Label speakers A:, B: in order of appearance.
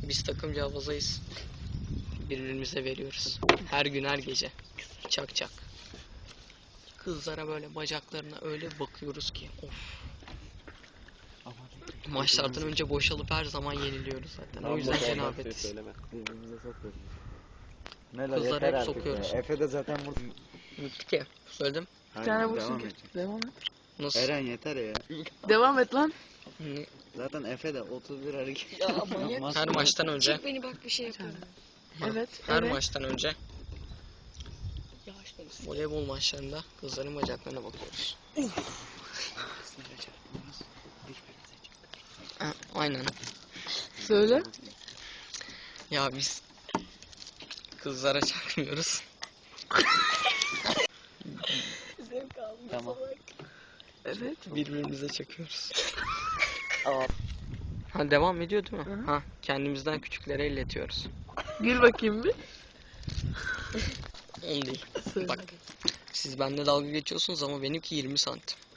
A: Biz takımca havazayız. Birbirimize veriyoruz. Her gün her gece. Çak çak. Kızlara böyle bacaklarına öyle bakıyoruz ki. Of. Maçlardan önce boşalıp her zaman yeniliyoruz zaten. O yüzden cenabetiz.
B: Birbirimize sokuyoruz.
A: Kızlara hep sokuyoruz.
B: Efe de zaten burada.
A: Bitti ki. Söyledim.
C: Bir tane vursun ki. Devam et.
A: Nasıl?
B: Eren yeter ya.
C: Devam et lan.
B: Zaten Efe de 31 hareket.
D: Ya manyak.
A: Her maçtan önce.
D: Çek beni bak bir şey yapıyorum.
C: Evet.
A: Her
C: evet.
A: maçtan önce
D: Yavaş beni.
A: voleybol maçlarında kızların bacaklarına bakıyoruz. Ha, aynen.
C: Söyle.
A: Ya biz kızlara çakmıyoruz.
D: Zevk aldım.
B: Tamam.
C: Evet.
A: Birbirimize çakıyoruz. Ha, devam ediyor değil mi?
C: Hı hı.
A: Ha, kendimizden küçüklere elletiyoruz.
C: Gül bakayım bir.
A: On değil.
C: Söyle.
A: Bak. Siz benimle dalga geçiyorsunuz ama benimki 20 santim.